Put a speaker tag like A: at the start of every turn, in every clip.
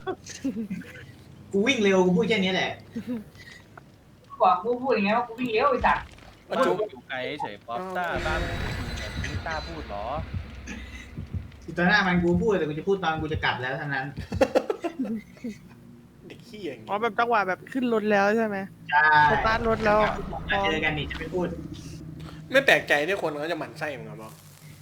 A: กูวิ่งเร็วกูพูดแค่นี้แหละ
B: บอกกูพูดอย่างเงี้ยว่ากูวิ่งเร็วไอ้สัตว์
C: ก็จุกอยู่ไกลเฉยป๊อปต้าไม่ต้าพูดหรอ
A: ตอนหน้ามันกูพูดแต่กูจะพูดตอนกูจะกลับแล้วเท่านั้น
D: เด็กขี้อย่างนี้
E: อ๋อแบบจังหวะแบบขึ้นรถแล้วใช่ไหม
A: ใช่
E: สตาร์ทรถแล้ว
A: เจอกันนี่จะไม่พูด
D: ไม่แปลกใจที่คนเขาจะหมั่นไส้มึงหรอ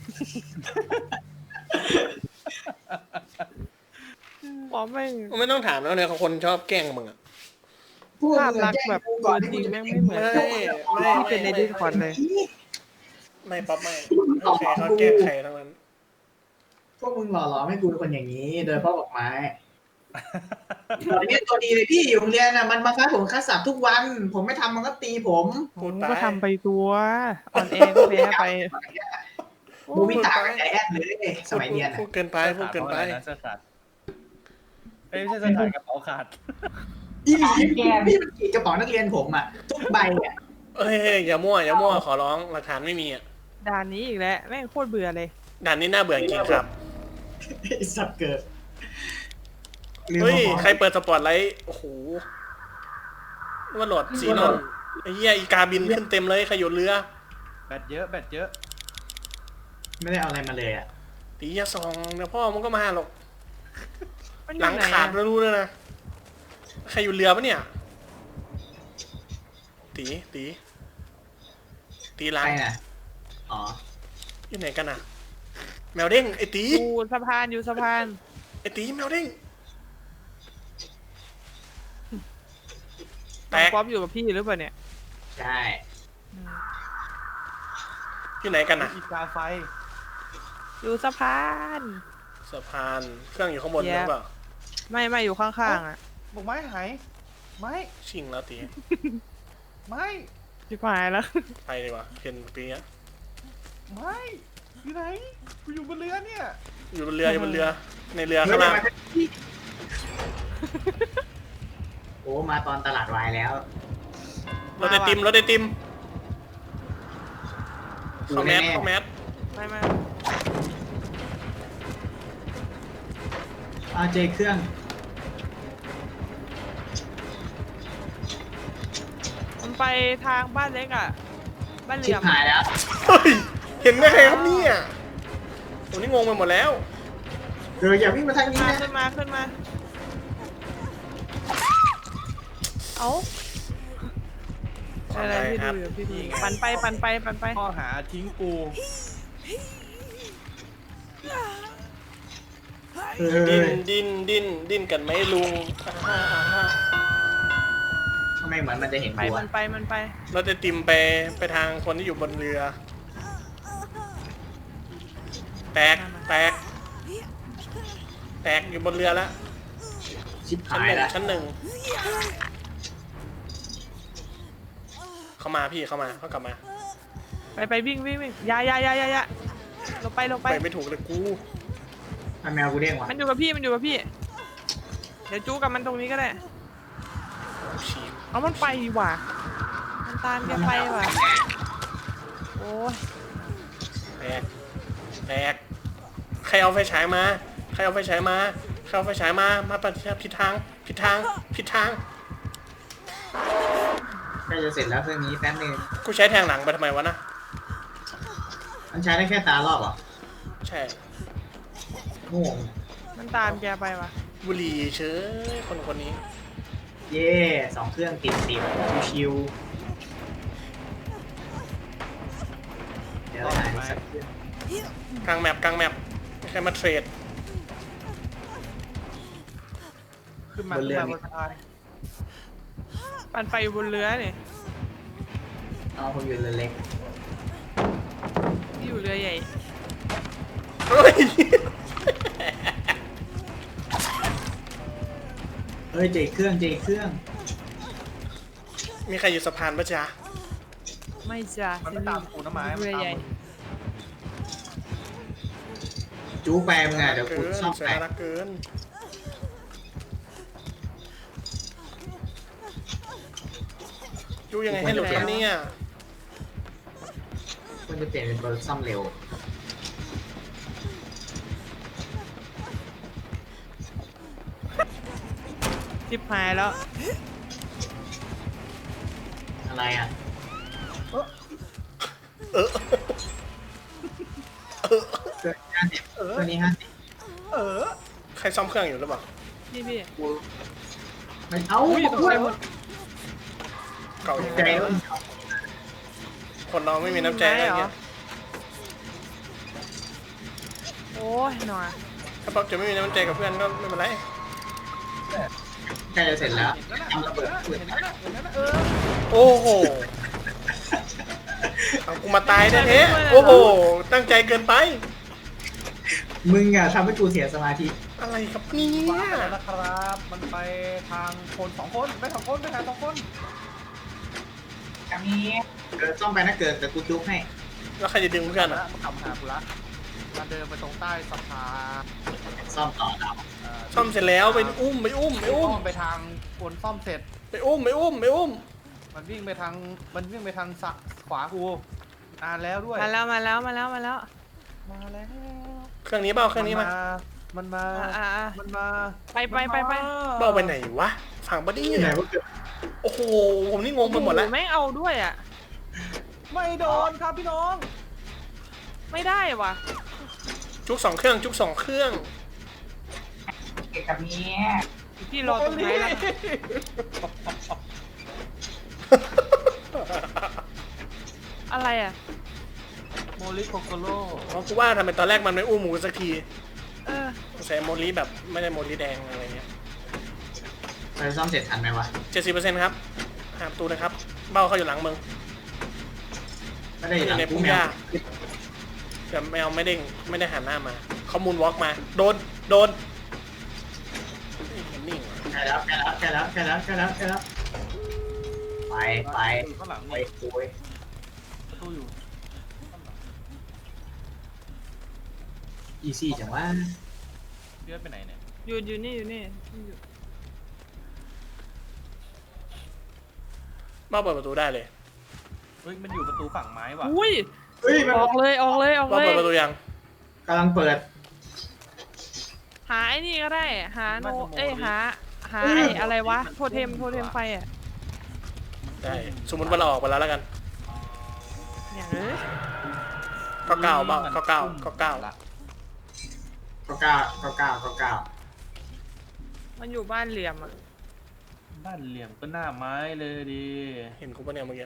E: อ๋อ
D: ไม่ต้องถามแล้วเนี่ยคนชอบแกล้งมึงอ่ะ
E: ภาพลักษณ์แบบตัวจริงแม่งไม่เหมือนที่เป็นในดิสคอร์ดเลย
D: ไม่ป๊อปไม่ใครเขาแกล้งใครทั้งนั้น
A: พวกมึงหล่อหลอมให้กูเป็นคนอย่างนี้โดยพ่อบอกไม้ตอนนี้ตัวดีเลยพี่อยู่โรงเรียนน่ะมันบังคับผมคัดสับทุกวันผมไม่ทำมันก็ตีผม
E: ก็ทำไปตัวอ่อนแอก็แพ้ไป
A: มูวิตากับใจแอนเลยสมัยเรียน
D: พูดเกินไปพูดเกินไป
C: เสื้อขาดไม่ใช่เสื้อขาดกระเป๋าขาด
A: พี่มันขีดกระเป๋านักเรียนผมอ่ะทุกใบอ่ะ
D: เอ้ยอย่ามั่วขอร้องหลักฐานไม่มีอ่ะ
E: ด่านนี้อีกแล้วแม่งโคตรเบื่อเลย
D: ด่านนี้น่าเบื่อจริงครับ
A: สับเกิด
D: เฮ้ยใครเปิดสปอตไลท์โอ้โหว่าโหลดสีนนไอ้เหี้ยอีกาบินขึ้นเต็มเลยขยุนเรือ
C: แบตเยอะ
A: ไม่ได้เอาอะไรมาเลยอ่ะ
D: ตีอย่าส่องเดี๋ยวพ่อมันก็มาหรอกหลังขาดรู้เลยนะใครอยู่เรือปะเนี่ยตีหลัง
A: อ๋อ
D: อยู่ไหนกันอ่ะแมวเด้งไอ้ตี
E: อยู่สะพาน
D: ไอ้ตีแมวเด้ง
E: แตกป๊อปอยู่กับพี่หรือเปล่าเนี่ย
A: ใช่
D: อยู่ไหนกันอ่ะ
C: อีกาไฟ
E: อยู่สะพาน
D: เครื่องอยู่ข้างบนหรือเปล่า
E: ไม่อยู่ข้างๆอ่ะ
C: บอกไม้หายไม้
D: ชิงแล้วตี
C: ไม้
E: ชิบหายแล้ว
D: ไปดีกว่าเห็นปีนี้
C: ไม่อยู่ไหนกูอยู่บนเรือเนี่ย
D: อยู่บนเรือในเรือข้างล่าง
A: โอ้มาตอนตลาดวายแล้ว
D: รถไอติมเข้าแมส
E: ไม่
A: เจเครื่อง
E: มันไปทางบ้านเล็กอ่ะบ้านเหลี่ยม
A: หายแล้ว
D: เห็นได้ไงครับเนี่ยตัวนี้งงไปหมดแล้ว
A: อย่าวิ่งมาทางนี้นะ
E: ขึ้นมาเอาอะไรพี่ดูอยู่พี่ปั่นไป
C: ข้อหาทิ้งกู
D: ดิ้นกันไหมลุง
A: ทำไมเหมือนมันจะเห็น
E: มันไป
D: รถไอติมไปทางคนที่อยู่บนเรือแตกอยู่บนเรือแล้วชั้นหนึ่งเข้ามาเขากลับมา
E: ไปวิ่งยาลงไป
D: ไม่ถูกเลยกู
A: แมวกูเด้งว่ะ
E: มันอยู่กับพี่เดี๋ยวจู้กับมันตรงนี้ก็ได้เอามันไปว่ะมันตามแกไปว่ะโอ้ย
D: แตกใครเอาไฟฉายมามาปฏิบัติผิดทาง
A: ใกล้จะเสร็จแล้วเครื่องนี้แป๊บนึง
D: กูใช้แทงหลังไปทำไมวะนะ
A: มันใช้ได้แค่ตารอบอ่ะ
D: ใช่
A: โง่
E: มันตามแกไปว่ะ
D: บุหรี่เชยคนนี้
A: เย่2 เครื่องติดชิวเดี๋ยวหายสักเครื่อง
D: กลางแมปใครมาเทรด
E: ขึ้นมาบนสะพานปั่นไปอยู่บนเรือเนี่ย
A: ผมอยู่เรือเล็ก
E: ที่อยู่เรือใหญ่
A: เจเครื่อง
D: มีใครอยู่สะพานปะจ๊ะ
E: ไม่จ้ะ
C: มันไม่ตามกูนะไม้
E: เรือใหญ่
A: จู๊แปมึงเดี๋ยวกูชอบแป
D: รักเกินจูยังไงให้หลุดกันเนี่ย
A: มันจะเปลี่ยนเป็นตัวซ่อมเร็ว
E: ชิบหายแล้ว
A: อะไรอ่ะ
D: เออ
A: เกิน50ตัวนี้50
D: ใครซ่อมเครื่องอยู่หรือเปล่า
E: พี่พี่
A: มันเอา
E: อุ้ยตกใจหมด
D: เก่าอย่าง
A: ใจ
D: ไร
A: แล้ว
D: คนเราไม่มีน้ำใจอะไรเงี้ย
E: โอ้ยหน่อย
D: ถ้าป๊อปจะไม่มีน้ำใจกับเพื่อนก็ไม่เป็นไร
A: ใกล้จะเสร็จแล้ว
C: เห็นแล้วนะ
A: ทำระเบิด
C: เห็นแล้วนะเห็นแล้วนะ
D: โอ้โหเอากูมาตายแท้ๆโอ้โหตั้งใจเกินไป
A: มึงอ่ะทำให้กูเสียสมาธิ
D: อะไรครับเนี่
C: ว้าย แล้วนะครับ มันไปทางคน2 คนไป2 คนไปทาง2 คน
B: กับมี
A: เกิดซ่อมไปนะเกิดแต่กูจุกให้
D: แล้วใครจะดึงเพื่อน
C: นะ
D: อ่ะ
C: มันกลับมาหากูละมันเดินไปตรงใต้สะพาน
A: ซ่อมต่อเรา
D: ซ่อมเสร็จแล้วไปอุ้มไปอุ้มไปอุ้ม
C: ไปทางคนซ่อมเสร็จ
D: ไปอุ้มไปอุ้มไปอุ้ม
C: มันวิ่งไปทางขวากูนานแล้วด้วย
E: มาแล้วมาแล้วมาแล้วมาแล้ว
C: มาแล้ว
D: เครื่องนี้เปล่าเครื่องนี้มา
C: มันมา
E: อ่า
C: มันมา
E: ไปไปไปไป
D: เปล่าไปไหนวะฝั่งบอดี้
A: ที่ไหน
D: เนี่ย
A: วะเกิด
D: โอ้โหผมนี่งงไปหมดแล้ว
E: ไม่เอาด้วยอ่ะ
C: ไม่โดนครับพี่น้อง
E: ไม่ได้ว่ะ
D: จุก2 เครื่องจุก2 เครื่อง
B: เก็บกับมี
E: พี่รอตรงไหนแล้วอะไรอ่ะ
C: โมลิโคโคโร่
D: เพราะกูว่าทำไมตอนแรกมันไม่อุ้มหมูสักที
E: เออ
D: ใส่โมลีแบบไม่ได้โมลีแดงอะไรเงี้ย
A: ไปซ่อมเสร็จทันไหมวะ
D: 70%ครับหาประตูนะครับ เบ้าเขาอยู่หลังมึง
A: ไม่ได้หลัง
D: ใน
A: กู
D: พุ่ง
A: แม
D: หญ้าว แต่แมวไม่เด้งไม่ได้หันหน้ามาเขามูนวอล์กมาโดนโดนเห็นนิ่ง
A: ใกล้แล้วใกล้แล้วใกล้แล้วใกล้แล้วใกล้แล้วใกล้แล้วไปไป
C: ข้างหลัง
A: ไป
C: นี่
A: คุย
C: ประตูอยู่
A: อีซี่จังวะ
C: เลือดไปไหนเนี่ย
E: อยู่นี่อยู่นี่อยู่
D: เบ้าเปิดประตูได้เลย
C: เฮ้ยมันอยู่ประตูฝั่งไม้ว่ะ
E: อุ้ย
A: เฮ้ยมัน
E: ออกเลยออกเลยออก
D: เบ้า
E: เลย
D: เปิดประตูยัง
A: กำลังเปิด
E: หาไอ้นี่ก็ได้ หาโนเอ้ยหาไอ้อะไรวะโทเทมไฟอ่ะ
D: ได้สมมติว่าเราออกไปแล้วกัน
E: อย่างเอ้ย
D: ก็เก้าเบ้าก็เก้าก็เก้า
C: ละ
A: ก็เก้าก็เก้าก็เก้า
E: มันอยู่บ้านเหลี่ยมอ่ะ
C: บ้านเหลี่ยมก็หน้าไม้เลยดี
D: เห็นกูปะเนี่ยเมื่อกี้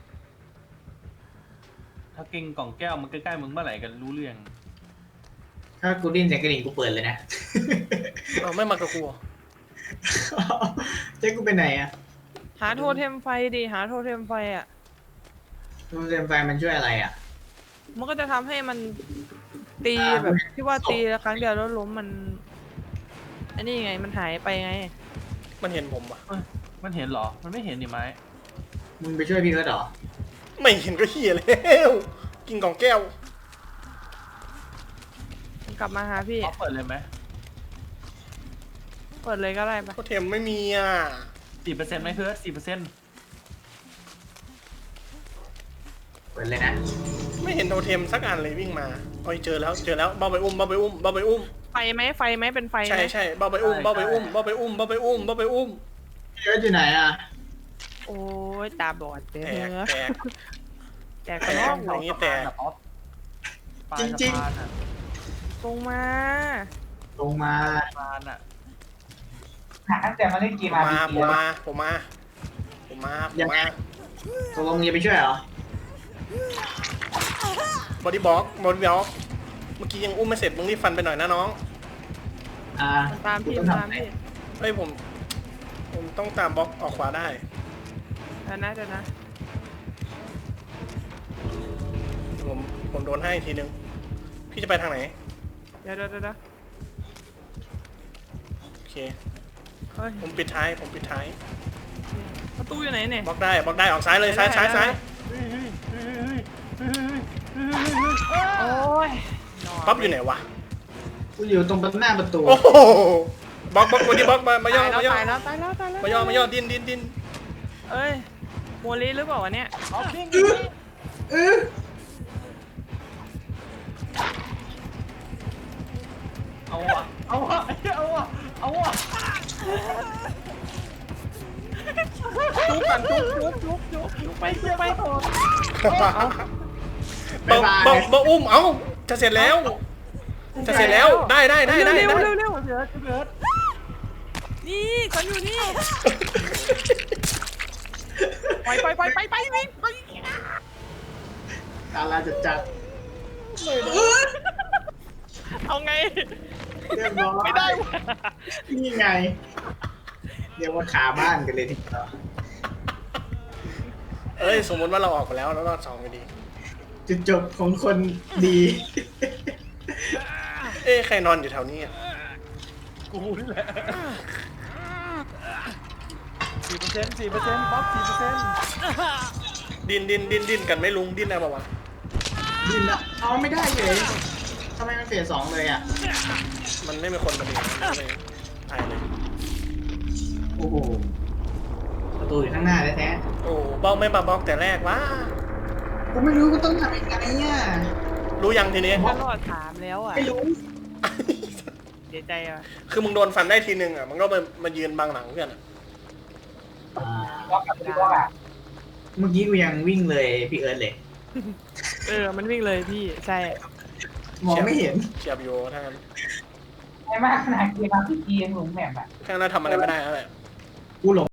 C: ถ้าเก่งกล่องแก้วมันใกล้ๆมึงเมื่อไหร่กันรู้เรื่อง
A: ถ้ากูดิ้นเสียงกระดิ่งกูเปิดเลยนะ
D: เอาไม่มากับกูเหรอ
A: เจ๊กูไปไหนอ่ะ
E: หาโทเทมไฟดิหาโทเทมไฟอ่ะ
A: โรงเรียนไฟมันช่วยอะไรอ่ะ
E: มันก็จะทำให้มันตีแบบที่ว่าตีครั้งเดียวแล้วล้มมันอันนี้ไงมันหายไปไง
D: มันเห็นผมปะ
C: มันเห็นเหรอ มันไม่เห็นนี่ไหม
A: มึงไปช่วยพี่เอิร์ธเหรอ
D: ไม่เห็นก็เหี้ยแล้วกินกล่องแก้ว
E: มันกลับมาหาพี่
C: เขาเปิดเลยไหม
E: เปิดเลยก็ได้ปะ
D: โคเทมไม่มีอ่ะ
C: 4%ไหมเพื่อน4%
A: เปิดเลยนะ
D: ไม่เห็นโทเทมสักอันเลยวิ่งมาโอ้ยเจอแล้วเจอแล้วเบ้าไปอุ้มเบ้าไปอุ้มเบ้าไปอุ้ม
E: ไฟไหมเป็นไฟไหม
D: ใช่ใช่เบ้าไปอุ้มเบ้าไปอุ้มเบ้าไปอุ้มเบ้าไปอุ้มเบ้าไปอุ้ม
A: พี่เอิร์ธอยู่ไหนอ่ะ
E: โอ้ยตาบอดเด้
D: แตก
E: อ
D: แตก
E: แตกกระนอก
D: อย่างงี้แต่
A: จริง
E: ตรงมา
A: ลงมา
C: ปานอ่ะ
B: หาตั้งแต่มาเล่นเก
D: ผม ม
B: RPG
D: ผมมาผมมาผมมาผมมา
A: ตกลงมึงจะไปช่วยเหรอ
D: บอดี้บล็อกเมื่อกี้ยังอุ้มไม่เสร็จมึงรีบฟันไปหน่อยนะน้อง
E: มันตามพี่
A: กูต้อง
E: ตาม
A: ทำไง
E: พี่
D: เฮ้ยผมต้องตามบล็อกออกขวาได้
E: เดี๋ยวนะ
D: ผมโดนให้ทีนึงพี่จะไปทางไหน
E: เดี๋ยว
D: โอเค
E: เฮ้ย
D: ผมปิดท้าย
E: ประตูอยู่ไหนเนี่ย
D: บล็อกได้ออกซ้ายเลยซ้าย
E: โอ้ย
D: ป๊อปอยู่ไหนวะ
A: กูอยู่ตรงหน้าประตู
D: โอ้โหบล็อกบอดี้บล็อกมาย่อ
E: ตาย
D: มาย่อ
E: แล้วตายแล้ว
D: มาย่อดิ้น
E: เอ้ยโมลีหรือเปล่าวะเนี่ย
C: เอาพิง
A: เออ
C: เอาว่ะเอาว่ะเอาว่ะเอาว่ะ
E: ก่อนจุกไป
D: บ่อุ้มเอ้าจะเสร็จแล้วได้
E: เร็วเบิร์ดนี่ฉันอยู่นี่ไปวิ่งไป
A: ดาราจัด
E: เอาไง
A: เรียบร้อย
E: ไม่ได้
A: นี่ไงเรียกว่าขาบ้านกันเลยทีเดียว
D: เอ้ยสมมติว่าเราออกไปแล้วแล้วรอด2ไปดี
A: จุดจบของคนดี
D: เอ้ยใครนอนอยู่แถวนี้
C: กูนี่แหละ4%ป๊อป4%
D: ดิ้นกันไม่ลุงดิ้นได้ปะวะ
A: ดินละเอาไม่ได้เลยทำไมมันเฟส2เลยอ่ะ
D: มันไม่มีคนมาดึงมันเลยตายเลย
A: โอ้โหประตูอยู่ข้างหน้าแท้
D: โอ้บล็อกไม่มาบล็อกแต่แรกวะ
A: ๆกูไม่รู้ก็ต้องทำยังไงอ่ะ
D: รู้ยังทีนี้
E: ก็รอดถามแล้วอ่ะ
A: ไม่รู้
E: เสียใจอ่ะ
D: คือมึงโดนฟันได้ทีนึงอ่ะมันก็มายืนบังหลังเพื่อนอะ
B: ล็อกกับพี่ล็อกอ่ะ
A: เมื่อกี้กูยังวิ่งเลยพี่เอิร์ธเลย
E: มันวิ่งเลยพี่ใช่
A: มองไม่เห็น
D: เฉียบอยู่ถ้างั้น
B: ไอ้มากขนาดเกมมาพี่เกมหลงแมปอ่ะ
D: ถ้างั้นทำอะไรไม่ได้แล้วแหละ
A: กูหลง